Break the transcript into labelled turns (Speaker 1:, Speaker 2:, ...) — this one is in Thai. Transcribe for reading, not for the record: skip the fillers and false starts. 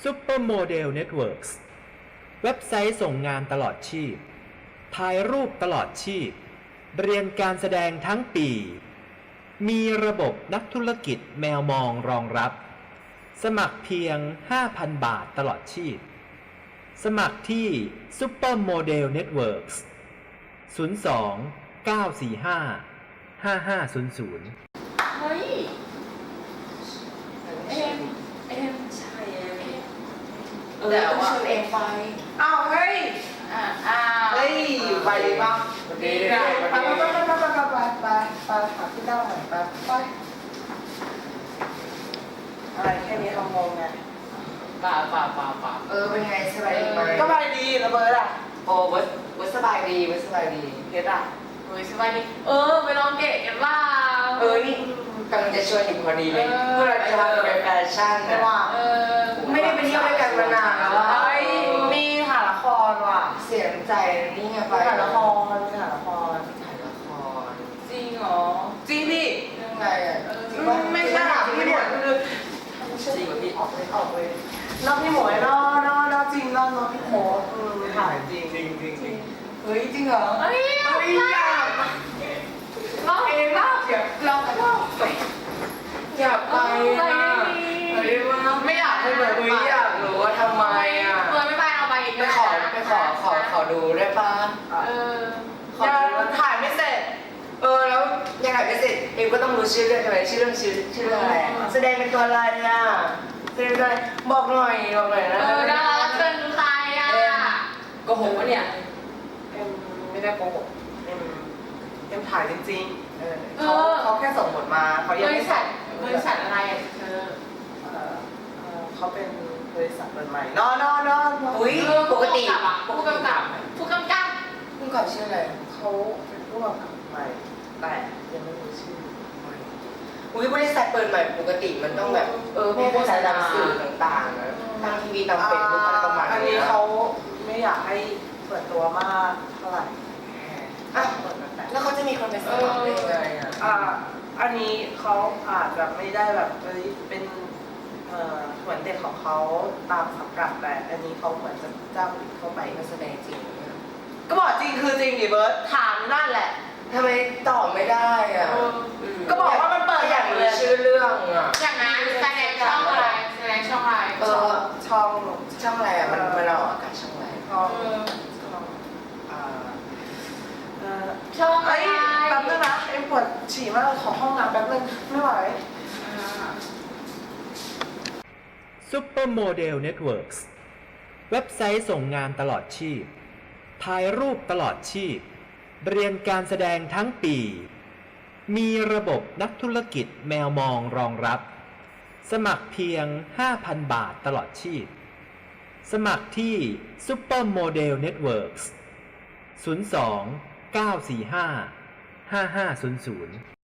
Speaker 1: Supermodel Networks เว็บไซต์ส่งงานตลอดชีพถ่ายรูปตลอดชีพเรียนการแสดงทั้งปีมีระบบนักธุรกิจแมวมองรองรับสมัครเพียง 5,000 บาทตลอดชีพสมัครที่ Supermodel Networks 02 945 5500
Speaker 2: เฮ้ยเอ็มใช่แต่ว่าชวนเอ็มไปอ้าวเฮ้ยเฮ้ยไปดีป่ะดีเลยไปหาพี่เต้าหน่อยไปอะไรแค่นี้เรางงไงป่าเป็นไงสบายดีไหมก็สบายดีระเบิดอ่ะโอ้เบิร์ดสบายดีเพชรอ่ะสบายดีไปลองเกะกันว่านี่กำลังจะชวนอยู่พอดีเลยเพื่อจะมาเป็นแฟชั่นนะว่าไม่ได้ไปเที่ยวด้วยกันมานานแล้วว่ามีถ่ายละครว่ะเสียใจนี่ไงไปถ่ายละครจริงเหรอจริงดิเรื่องอะไรอ่ะไม่ใช่พี่หมวยคือจริงพี่ออกเลยน้องพี่หมวยน้องจริงน้องพี่โมถ่ายจริงเฮ้ยจริงเหรออยากเราเองเราอยากไปไม่อยากไปเลยอยากรู้ว่าทำไมอ่ะไม่ไปเอาไปอีกไปขอดูได้ป่ะยังถ่ายไม่เสร็จแล้วยังถ่ายไม่เสร็จเองก็ต้องรู้ชื่อเรื่องใช่ไหมชื่อเรื่องอะไรแสดงเป็นตัวอะไรอ่ะแสดงเป็นอะไรบอกหน่อยนะดารารับเชิญใครอ่ะโกหกวะเนี่ยเอ็มไม่ได้โกหกเอ็มถ่ายจริงๆเขาแค่ส่งบทมาเขายังไม่ส่งบริษัทอะไรเธอเขาเป็นบริษัทเปิดใหม่นอนอุ้ยปกติผู้กำกับชื่ออะไรเขาเป็นผู้กำกับใหม่แต่ยังไม่รู้ชื่ออุ้ยบริษัทเปิดใหม่ปกติมันต้องแบบพวกสายตามสื่อต่างๆนะทางทีวีตามเป็นพวกอะไรประมาณนี้อันนี้เขาไม่อยากให้เปิดตัวมากเท่าไหร่แล้วเขาจะมีคนไปสมัครได้ยังไงอันนี้เขาอาจจะไม่ได้แบบเป็นเหมือนเด็กของเขาตามสังกัดแต่อันนี้เขาเหมือนจะจ้างเข้าไปมาแสดงจริงก็บอกจริงคือจริงดิเบิร์ตถามนั่นแหละทำไมตอบไม่ได้อ่ะก็บอกว่ามันเปิดอย่างเลยชื่อเรื่องอ่ะอย่างนั้นแสดงช่องอะไรช่องอะไรอ่ะมันออกอากาศช่องอะไรช่องอะไรแป๊บนึงนะเอ็มปวดฉี่มากขอห้องน้ำแป๊บนึงไม่ไหว
Speaker 1: Supermodel Networks เว็บไซต์ส่งงานตลอดชีพถ่ายรูปตลอดชีพเรียนการแสดงทั้งปีมีระบบนักธุรกิจแมวมองรองรับสมัครเพียง 5,000 บาทตลอดชีพสมัครที่ Supermodel Networks 02 945 5500